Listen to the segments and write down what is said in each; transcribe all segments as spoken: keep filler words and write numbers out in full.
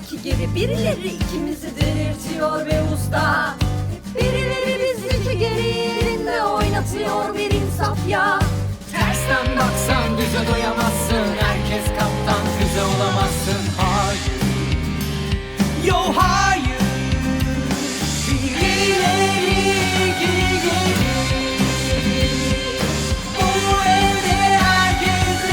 iki geri, birileri ikimizi diriltiyor be usta. Birileri bizi iki geri yerinde oynatıyor bir insaf ya. Tersten baksan düze doyamazsın, herkes kaptan füze olamazsın. Hayır, yo hayır. Birileri iki geri, bu evde herkes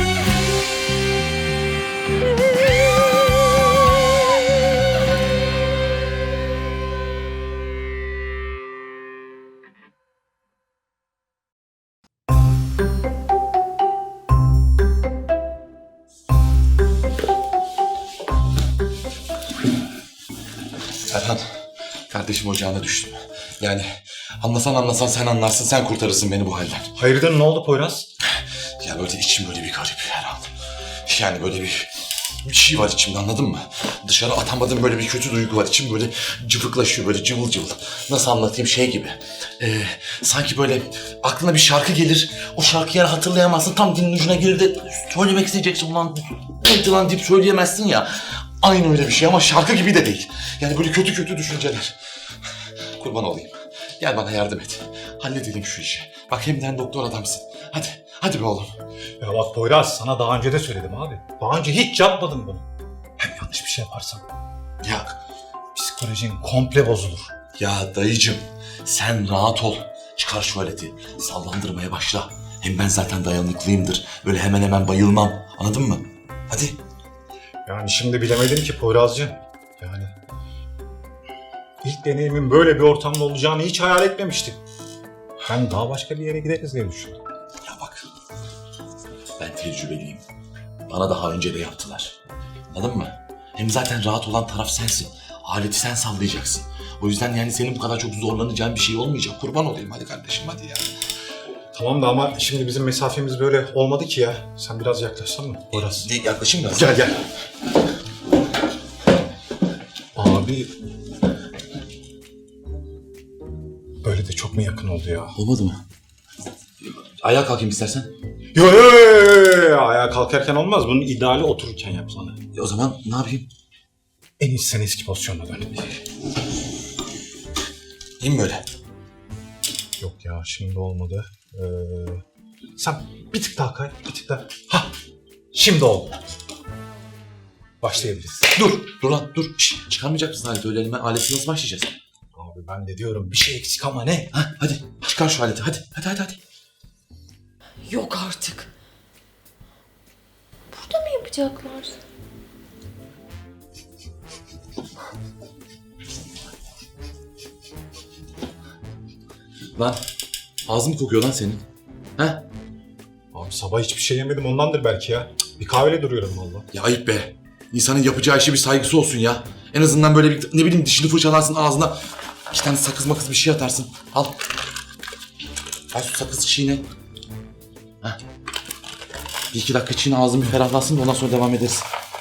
Erhan, kardeşim ocağına düştüm. Yani anlasan anlasan sen anlarsın, sen kurtarırsın beni bu halden. Hayırdır, ne oldu Poyraz? Ya böyle içim böyle bir garip Erhan. Yani böyle bir, bir şey var içimde, anladın mı? Dışarı atamadığım böyle bir kötü duygu var. İçim böyle cıvıklaşıyor, böyle cıvıl cıvıl. Nasıl anlatayım, şey gibi. Ee, sanki böyle aklına bir şarkı gelir. O şarkıyı yani hatırlayamazsın. Tam dilin ucuna gelir de söylemek isteyeceksin. Ulan neydi lan deyip söyleyemezsin ya. Aynı öyle bir şey ama şarkı gibi de değil. Yani böyle kötü kötü düşünceler. Kurban olayım. Gel bana yardım et. Halledelim şu işi. Bak hemden doktor adamsın. Hadi, hadi be oğlum. Ya bak Poyraz, sana daha önce de söyledim abi. Daha önce hiç yapmadım bunu. Hem yanlış bir şey yaparsam Ya, psikolojin komple bozulur. ya dayıcım sen rahat ol. Çıkar şu aleti. Sallandırmaya başla. Hem ben zaten dayanıklıyımdır. Böyle hemen hemen bayılmam. Anladın mı? Hadi. Yani şimdi bilemedim ki Poyrazcığım. Yani ilk deneyimin böyle bir ortamda olacağını hiç hayal etmemiştim. Ben daha başka bir yere gideriz diye düşündüm. Ya bak. Ben tecrübeliyim. Bana daha önce de yaptılar. Anladın mı? Hem zaten rahat olan taraf sensin. Aleti sen sallayacaksın. O yüzden yani senin bu kadar çok zorlanacağın bir şey olmayacak. Kurban olayım hadi kardeşim hadi ya. Tamam da ama şimdi bizim mesafemiz böyle olmadı ki ya. Sen biraz yaklaşsan mı Poyraz? Ne, yaklaşayım biraz. Gel gel. Abi... Böyle de çok mu yakın oldu ya? Olmadı mı? Ayağa kalkayım istersen. Yo yo yo yo yo. Ayağa kalkarken olmaz. Bunun ideali otururken yap sana. E, o zaman ne yapayım? En iyisi sen eski pozisyonuna dön. İyi mi böyle? Yok ya, şimdi olmadı. Ee, sen bir tık daha kay, bir tık daha. Hah, şimdi oldu. Başlayabiliriz. Dur, dur lan dur. Şişt, çıkarmayacak mısın aleti öyle elime? Aleti nasıl başlayacağız? Abi ben de diyorum bir şey eksik ama ne? Ha, hadi çıkar şu aleti hadi. Hadi hadi hadi. Yok artık. Burada mı yapacaklar? Lan ağzım kokuyor lan senin. Ha? Abi sabah hiçbir şey yemedim, ondandır belki ya. Cık, bir kahvele duruyorum valla. Ya ayıp be. İnsanın yapacağı işe bir saygısı olsun ya. En azından böyle bir ne bileyim dişini fırçalarsın ağzına. İki tane sakız makız bir şey atarsın. Al. Al şu sakız çiğne. Ha. Bir iki dakika çiğne ağzın bir ferahlasın da ondan sonra devam ederiz.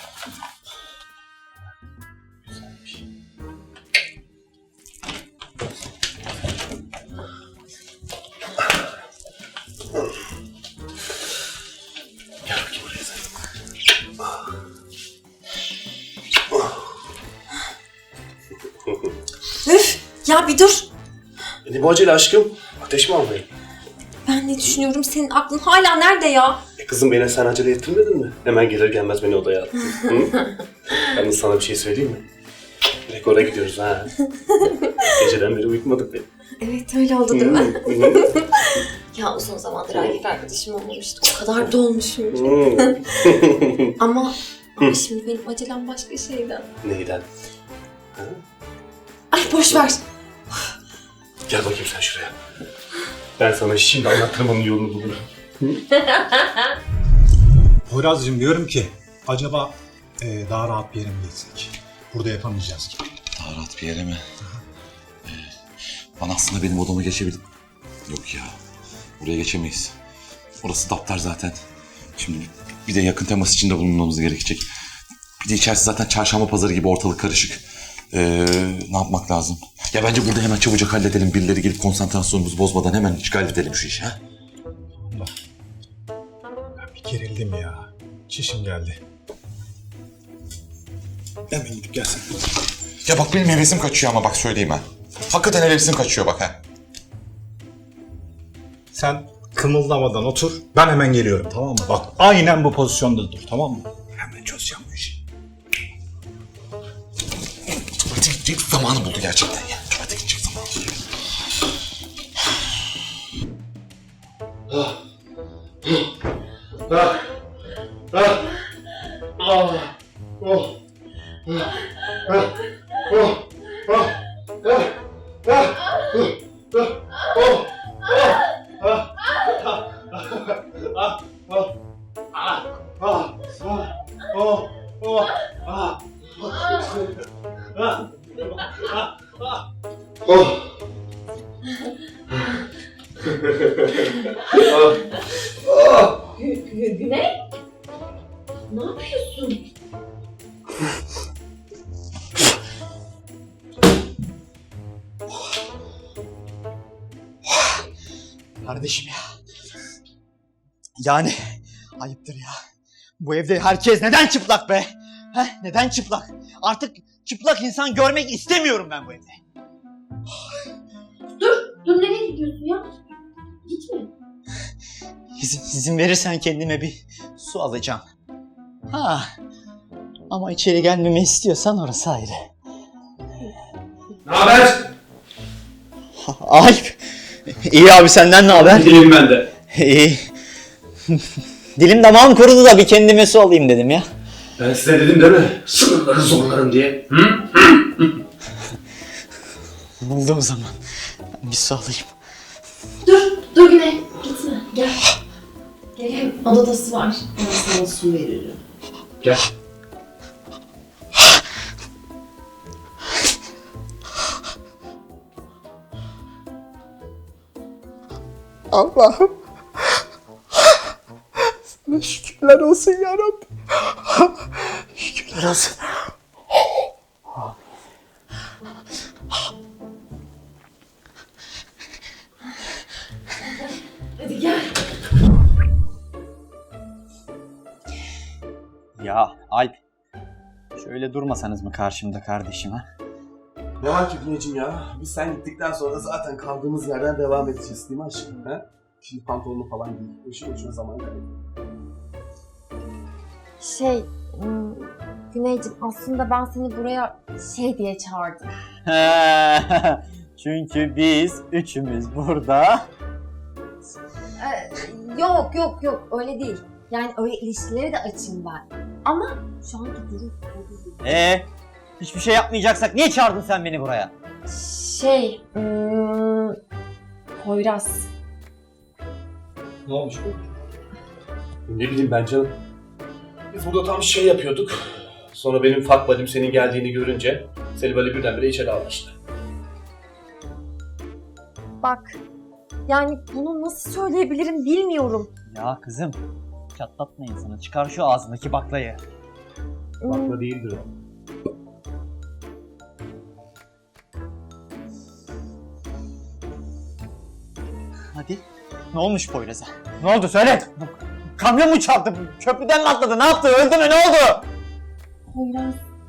Gel bakayım buraya sen. Üf! Ya bir dur. Ne bu acele aşkım? Ateş mi almayayım? Ben ne düşünüyorum? Senin aklın hala nerede ya? E kızım beni sen acele ettirmedin mi? Hemen gelir gelmez beni odaya attın. Hı? Yalnız sana bir şey söyleyeyim mi? Direkt oraya gidiyoruz ha. Geceden beri uyutmadık beni. Evet öyle oldu değil mi? Hı. Ya uzun zamandır erkek arkadaşım olmamıştı. O kadar dolmuşum ki. Hı. Ama, ama şimdi benim acelem başka şeyden. Neyden? Ha? Ay boş ver. Gel bakayım sen şuraya. Ben sana şimdi anlatırım onun yolunu bulurum. Poyraz'cığım diyorum ki acaba e, daha rahat bir yere mi geçsek? Burada yapamayacağız gibi. Daha rahat bir yere mi? Ee, bana aslında benim odama geçebilir. Yok ya. Buraya geçemeyiz. Orası daptar zaten. Şimdi bir de yakın temas içinde bulunmamız gerekecek. Bir de içerisi zaten çarşamba pazarı gibi ortalık karışık. Ee, ne yapmak lazım? Ya bence burada hemen çabucak halledelim. Birileri gelip konsantrasyonumuzu bozmadan hemen işgal edelim şu işi. Ha? Allah. Ben bir gerildim ya. Çişim geldi. Hemen gidip gelsin. Ya bak benim hevesim kaçıyor ama bak söyleyeyim ha. Hakikaten hevesim kaçıyor bak ha. Sen kımıldamadan otur. Ben hemen geliyorum, tamam mı? Bak aynen bu pozisyonda dur, tamam mı? Hemen çözeceğim bu işi. Tuvalete gidecek zamanı buldu gerçekten ya. Tuvalete gidecek zamanı buldu. Güney? Ne yapıyorsun? Kardeşim ya. Yani ayıptır ya. Bu evde herkes neden çıplak be? Heh, neden çıplak? Artık çıplak insan görmek istemiyorum ben bu evde. Dur nereye gidiyorsun ya? Gitme. İzin, izin verirsen kendime bir su alacağım. Ha. Ama içeri gelmemi istiyorsan orası ayrı. Ne haber? Alp. İyi abi, senden ne haber? Gideyim ben de. İyi. Dilim damağım kurudu da bir kendime su alayım dedim ya. Ben size dedim değil mi? Sınırları zorlarım diye. Hı? Oldu o zaman. Ben bir su alayım. Dur, dur Güney. Gitme, gel. Gel, hem odada su var. Ben sana su veririm. Gel. Allah'ım. Sana şükürler olsun ya Rabbi. Şükürler olsun. Hadi gel. Ya Alp. Şöyle durmasanız mı karşımda kardeşim ha? Ne var ki Güneyciğim ya? Biz sen gittikten sonra zaten kaldığımız yerden devam edeceğiz değil mi aşkım? He? Şimdi pantolonu falan giy. Boşu boşuna zaman kaybı. Şey, ım, Güneyciğim aslında ben seni buraya şey diye çağırdım. Çünkü biz üçümüz burada. Ee, yok yok yok öyle değil. Yani öyle ilişkileri de açayım ben. Ama şu anki durum Ee, hiçbir şey yapmayacaksak niye çağırdın sen beni buraya? şey, ım, Poyraz. Ne olmuş bu? Ne bileyim ben canım. Biz burada tam şey yapıyorduk. Sonra benim fuck buddy'm senin geldiğini görünce seni böyle birdenbire içeri aldı işte. Bak, yani bunu nasıl söyleyebilirim bilmiyorum. Ya kızım, çatlatma insanı. Çıkar şu ağzındaki baklayı. Im, Bakla değildir o. Hadi. Ne olmuş Poyraz'a? Ne oldu söyle. Kamyon mu çarptı? Köprüden mi atladı? Ne yaptı? Öldü mü? Ne oldu? Poyraz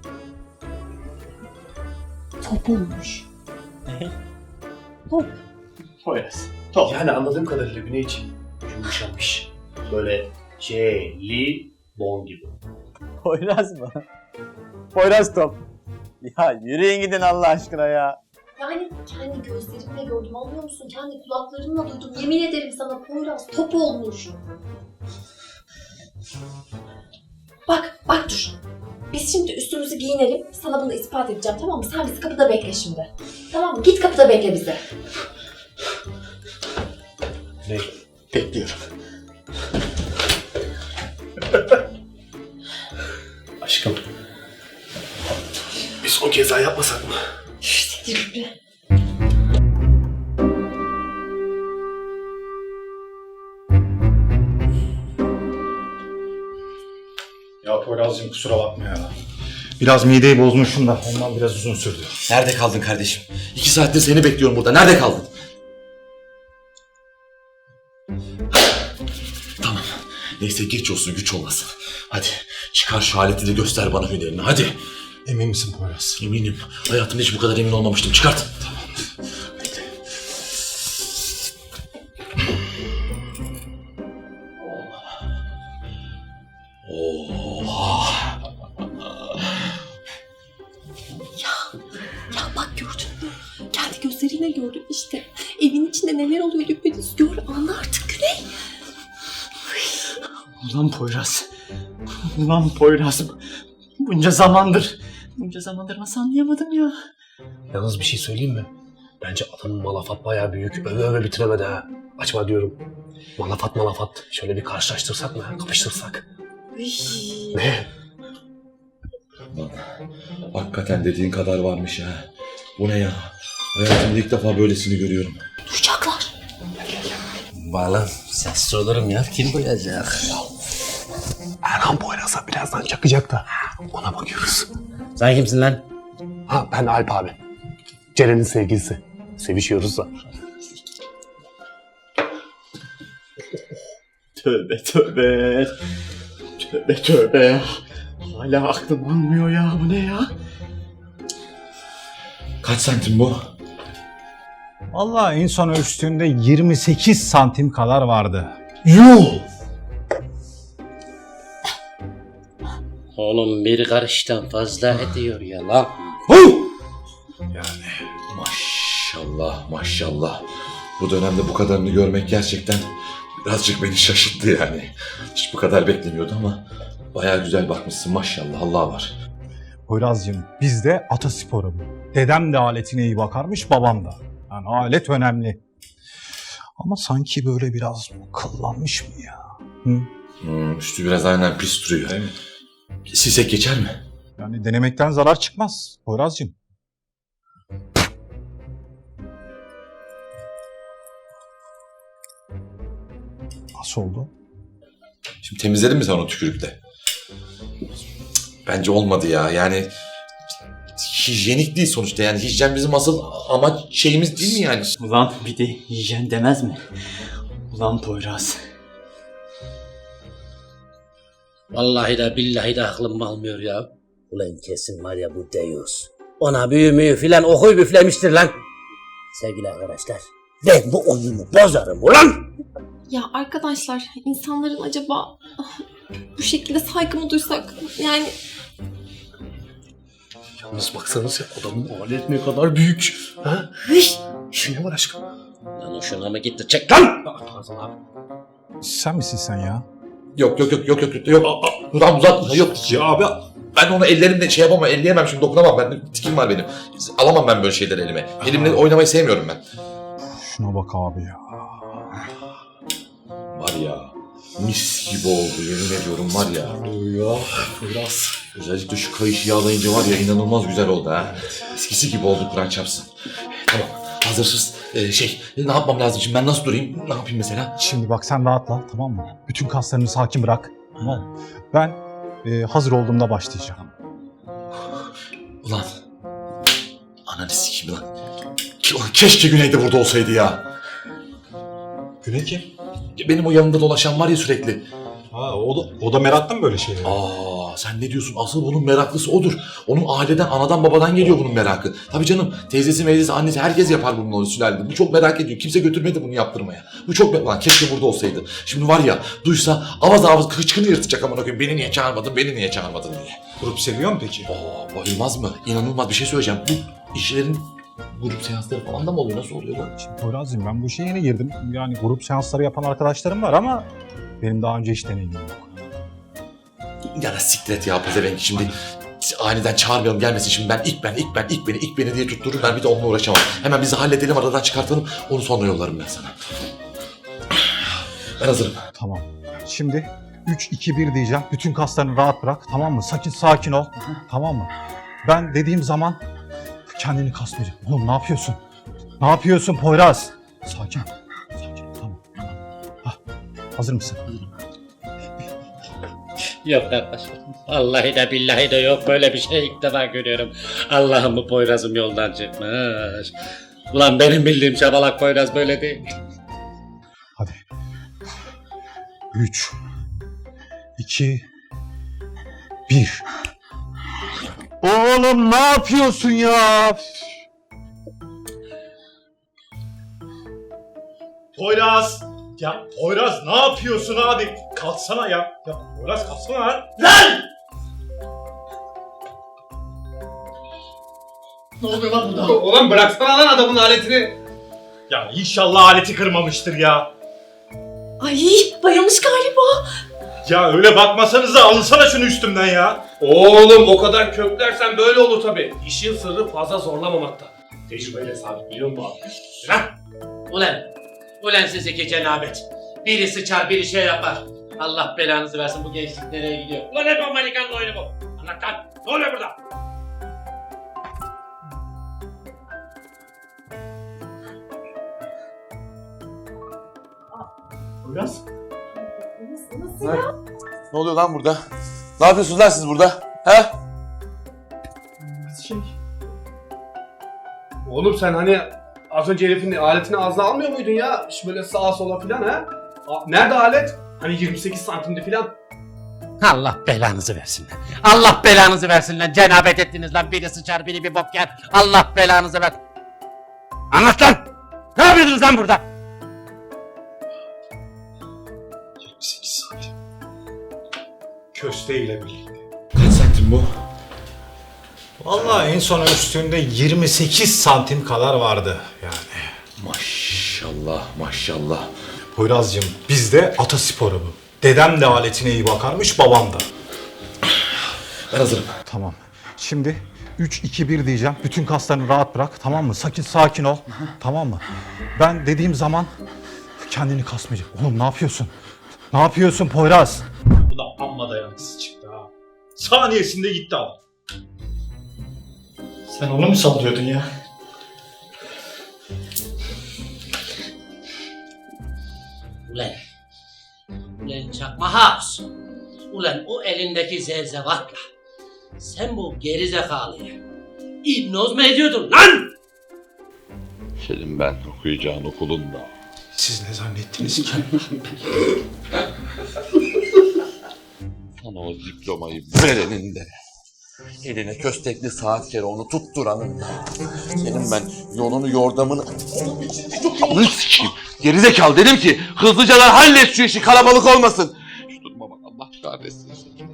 top olmuş. Ne? Top. Poyraz. Yani anladığım kadarıyla Güneyciğim yumuşamış. Böyle jelibon gibi. Poyraz mı? Poyraz top. Ya yürüyün gidin Allah aşkına ya. Yani kendi gözlerimle gördüm, anlıyor musun? Kendi kulaklarımla duydum. Yemin ederim sana Poyraz top olmuş. Bak, bak dur. Biz şimdi üstümüzü giyinelim. Sana bunu ispat edeceğim, tamam mı? Sen bizi kapıda bekle şimdi. Tamam mı? Git kapıda bekle bizi. Ne? Bekliyorum. Aşkım. Bir son kez daha yapmasak mı? İşte yürü. Ya Poyraz'cığım kusura bakma ya. Biraz mideyi bozmuşum da ondan biraz uzun sürdü. Nerede kaldın kardeşim? İki saattir seni bekliyorum burada. Nerede kaldın? Tamam. Neyse geç olsun güç olmasın. Hadi çıkar şu aleti de göster bana hünerini hadi. Emin misin Poyraz? Eminim. Hayatımda hiç bu kadar emin olmamıştım. Çıkart. Tamam. Bekle. Oha. Ya bak gördün mü? Kendi gözleriyle gördün işte. Evin içinde neler oluyor düpedüz gör anla artık Güney. Ulan Poyraz. Ulan Poyraz. Bunca zamandır. Bunca zamandır nasıl anlayamadım ya. Yalnız bir şey söyleyeyim mi? Bence adamın malafat bayağı büyük. Öve öve bitiremedi ha. Açma diyorum. Malafat malafat. Şöyle bir karşılaştırsak mı? Kapıştırsak. Ne? Lan, hakikaten dediğin kadar varmış ha. Bu ne ya? Hayatımda ilk defa böylesini görüyorum. Duyacaklar. Bağlan. Sessiz olurum ya. Kim duyacak? Erhan Poyraz'a birazdan çakacak da. Ona bakıyoruz. Sen kimsin lan? Ha ben Alp abi. Ceren'in sevgilisi. Sevişiyoruz da. Tövbe tövbe. Tövbe tövbe. Hala aklım almıyor ya. Bu ne ya? Kaç santim bu? Vallahi en son ölçtüğünde yirmi sekiz santim kadar vardı. Yuh! Oğlum bir karıştan fazla ediyor ya lan. Yani maşallah maşallah. Bu dönemde bu kadarını görmek gerçekten birazcık beni şaşırttı yani. Hiç bu kadar beklemiyordum ama bayağı güzel bakmışsın maşallah, Allah var. Poyraz'cığım bizde atasporu bu. Dedem de aletine iyi bakarmış, babam da. Yani alet önemli. Ama sanki böyle biraz kıllanmış mı ya? Hı? Hmm, üstü biraz aynen pis duruyor. Evet. Sisek geçer mi? Yani denemekten zarar çıkmaz Poyraz'cığım. Nasıl oldu? Şimdi temizledin mi sen onu tükürükle? Bence olmadı ya. Yani hijyenik değil sonuçta. Yani hijyen bizim asıl amaç şeyimiz değil mi yani? Ulan bir de hijyen demez mi? Ulan Poyraz. Vallahi de billahi de aklım almıyor ya. Ulan kesin var ya bu Deus. Ona büyü müyü filan okuy büflemiştir lan. Sevgili arkadaşlar, ben bu oyunu bozarım ulan. Ya arkadaşlar insanların acaba bu şekilde saygı mı duysak yani Yalnız baksanıza adamın alet ne kadar büyük. Ha? Şu ne var aşkım? Lan o şuna mı gitti? Çek lan! Pardon abi. Sen misin sen ya? Yok yok yok yok yok yok. Aa, aa, Ulan uzatma yok. Ya abi ben onu ellerimle şey yapamam, elleyemem şimdi, dokunamam ben. Tikim var benim. Alamam ben böyle şeyleri elime. Elimle oynamayı sevmiyorum ben. Şuna bak abi ya. Var ya, mis gibi oldu yemin ediyorum var ya. Ya Poyraz. Özellikle şu kayışı yağlayınca var ya inanılmaz güzel oldu ha. Eskisi gibi oldu Kur'an çarpsın. Tamam hazırsız. Ee, şey ne yapmam lazım şimdi, ben nasıl durayım, ne yapayım mesela? Şimdi bak sen rahatla, tamam mı? Bütün kaslarını sakin bırak. Tamam mı? Ben e, hazır olduğumda başlayacağım. Ulan ananı sikeyim lan. Ki- Ulan keşke Güney de burada olsaydı ya. Güney kim? Benim o yanında dolaşan var ya sürekli. Ha, o da, o da meraklı mı böyle şeylere? Aa sen ne diyorsun? Asıl bunun meraklısı odur. Onun aileden, anadan, babadan geliyor bunun merakı. Tabii canım, teyzesi, meyzesi, annesi herkes yapar bunun o sülalede. Bu çok merak ediyor. Kimse götürmedi bunu yaptırmaya. Bu çok merak... Lan keşke burada olsaydı. Şimdi var ya, duysa avaz avaz kıçkını yırtacak amına koyayım. Beni niye çağırmadın, beni niye çağırmadın diye. Grup seviyor mu peki? Oo bayılmaz mı? İnanılmaz bir şey söyleyeceğim. Bu işlerin grup seansları falan da mı oluyor? Nasıl oluyor lan? Şimdi Poyraz'cığım ben bu işe yeni girdim. Yani grup seansları yapan arkadaşlarım var ama benim daha önce hiç deneyimim yok. Ya da siklet ya pezevenk şimdi. Aniden çağırmayalım gelmesin şimdi, ben ilk ben ilk ben ilk beni ilk beni diye tutturur, ben bir de onunla uğraşamam. Hemen bizi halledelim, aradan çıkartalım, onu sonra yollarım ben sana. Ben hazırım. Tamam. Şimdi üç iki bir diyeceğim. Bütün kaslarını rahat bırak, tamam mı? Sakin sakin ol. Tamam mı? Ben dediğim zaman kendini kasmayacaksın. Oğlum ne yapıyorsun? Ne yapıyorsun Poyraz? Sakin. Sakin. Tamam. Hah. Hazır mısın? Yok arkadaşlar. Vallahi de billahi de yok, böyle bir şey ilk defa görüyorum. Allah'ım bu Poyraz'ım yoldan çıkmış. Ulan benim bildiğim şabalak Poyraz böyle değil. Hadi. Üç. iki. Bir. Oğlum ne yapıyorsun ya? Poyraz! Ya Poyraz ne yapıyorsun abi? Kalksana ya. Ya Poyraz kalksana lan. Lan! Ne oluyor lan burada? Oğlum bıraksana lan adamın aletini. Ya inşallah aleti kırmamıştır ya. Ay bayılmış galiba. Ya öyle bakmasanıza alınsana şunu üstümden ya. Oğlum o kadar köklersen böyle olur tabi. İşin sırrı fazla zorlamamakta. Tecrübeyle sabit biliyor musun abi? Lan! Ulan! Ulan siz iki cenabet. Biri sıçar, biri şey yapar. Allah belanızı versin, bu gençlik nereye gidiyor? Ulan hep Amerikan oyunu bu. Anlat lan! Ne oluyor burada? Poyraz? Nasıl, nasıl ya? Ne oluyor lan burada? Ne yapıyorsunuz lan siz burada? He? Şey... Oğlum sen hani az önce herifin aletini ağzına almıyor muydun ya? Şu böyle sağa sola filan ha? A- Nerede alet? Hani yirmi sekiz santimde filan. Allah belanızı versin lan. Allah belanızı versin lan. Cenabet ettiniz lan. Biri sıçar, biri bir bok yer. Allah belanızı ver. Anlat lan! Ne yapıyordunuz lan burada? yirmi sekiz santim. Köste ile birlikte. Kaç santim bu? Vallahi en son ölçtüğünde yirmi sekiz santim kadar vardı yani. Maşallah maşallah. Poyraz'cığım bizde atasporu bu. Dedem de aletine iyi bakarmış, babam da. Ben hazırım. Tamam. Şimdi üç iki bir diyeceğim. Bütün kaslarını rahat bırak, tamam mı? Sakin sakin ol. Tamam mı? Ben dediğim zaman kendini kasmayacak. Oğlum ne yapıyorsun? Ne yapıyorsun Poyraz? Bu da amma dayanıksız çıktı ha. Saniyesinde gitti ama. Sen onu mu sallıyordun ya? Ulan. Ulan çakma House. Ulan o elindeki zevzevatla. Sen bu gerizekalıyı hipnoz mu ediyordun lan? Senin ben okuyacağın okulunda. Siz ne zannettiniz ki? Sana o diplomayı verenin de. Eline köstekli saat kere onu tutturanın da. Senin ben yolunu yordamını... Onu sikeyim. Gerizekalı dedim ki hızlıcalar hallet şu işi, kalabalık olmasın. Şu duruma bak, Allah kahretsin.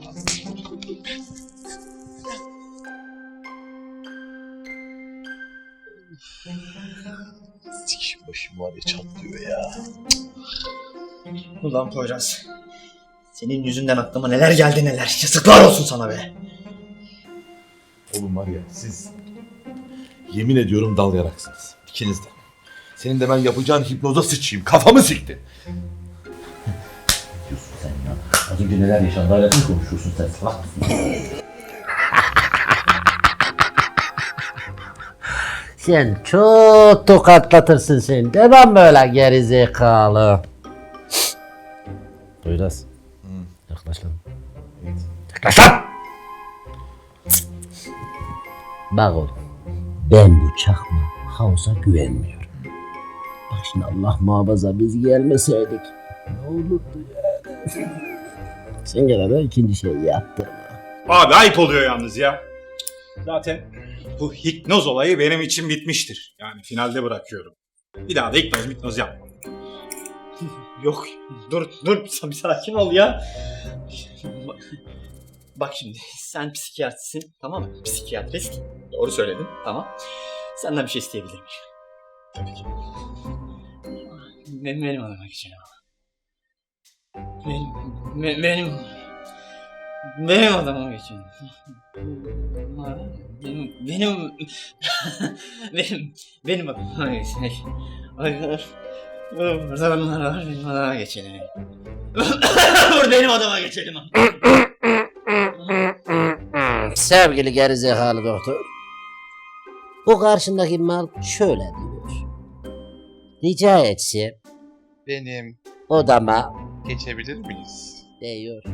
Sikeyim, başım var ya çatlıyor ya. Ulan Poyraz. Senin yüzünden aklıma neler geldi neler. Yazıklar olsun sana be. Oğlum var ya siz yemin ediyorum dal yaraksınız. İkiniz de. Senin de ben yapacağın hipnoza sıçayım. Kafamı sikti. Diyorsun sen ya. Az önce neler yaşandı hala mı konuşuyorsun sen? Salak mısın? Sen çok tokatlatırsın sen. Devam böyle gerizekalı. Poyraz. Yaklaş lan. Yaklaş lan! Bak oğlum. Ben bu çakma House'a güvenmiyorum. Bak şimdi Allah muhafaza biz gelmeseydik. Ne olurdu yani? Sen gene de ikinci şeyi yaptırma. Abi ayıp oluyor yalnız ya. Zaten bu hipnoz olayı benim için bitmiştir. Yani finalde bırakıyorum. Bir daha da hipnoz hipnoz yapmam. Yok dur dur bir sakin ol ya. Bak şimdi sen psikiyatristsin, tamam mı? Psikiyatrist. Doğru söyledin, tamam. Senden bir şey isteyebilir miyim? Tabii ki. Benim, benim adama geçelim ama. Benim, be- benim, benim adama geçelim. Benim, benim, benim, benim adama geçelim. Hayır. Burada bunlar var, benim adama geçelim. Dur benim adama geçelim. Sevgili gerizekalı doktor. Bu karşındaki mal şöyle diyor. Rica etsem Benim odama geçebilir miyiz? diyor.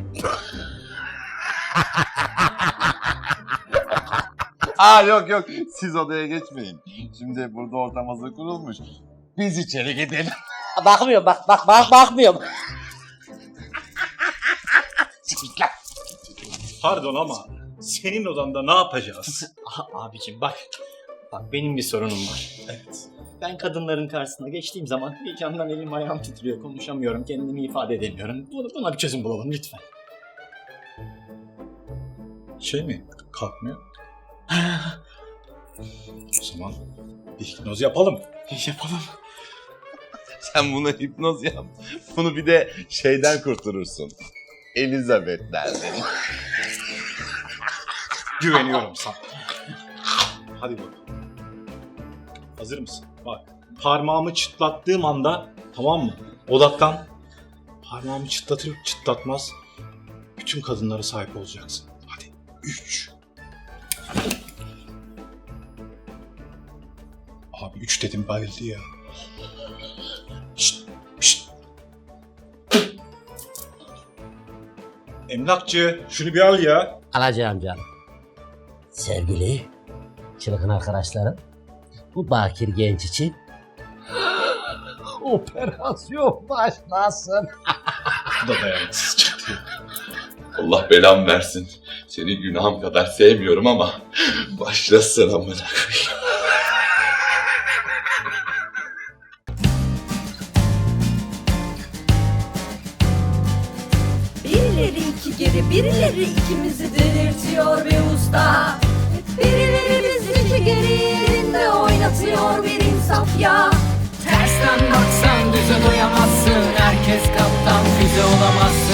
Aa yok yok siz odaya geçmeyin. Şimdi burada ortam hazır kurulmuş. Biz içeri gidelim. Bakmıyorum bak bak bak bakmıyorum. Pardon ama senin odanda ne yapacağız? Abicim bak. Bak benim bir sorunum var. Evet. Ben kadınların karşısına geçtiğim zaman heyecandan elim ayağım titriyor. Konuşamıyorum, kendimi ifade edemiyorum. Buna, buna bir çözüm bulalım lütfen. Şey mi? Kalkmıyor. O zaman bir hipnoz yapalım. Yapalım. Sen buna hipnoz yap. Bunu bir de şeyden kurtarırsın. Elizabeth'lerden. Güveniyorum sana. Hadi bakalım. Hazır mısın? Bak. Parmağımı çıtlattığım anda, tamam mı? Odaklan. Parmağımı çıtlatır çıtlatmaz bütün kadınlara sahip olacaksın. Hadi. Üç. Abi üç dedim bayıldı ya. Şşt, şşt. Emlakçı şunu bir al ya. Alacağım canım. Sevgili çılgın arkadaşlarım, bu bakir genç için operasyon başlasın. Bu da dayanıksız çıktı. Allah belamı versin. Seni günahım kadar sevmiyorum ama başlasın amına koyayım. Birileri iki geri, birileri ikimizi delirtiyor be usta. Birileri bizi iki geri yerinde oynatıyor bir insaf ya. Tersten baksan düze doyamazsın. Herkes kaptan füze olamazsın.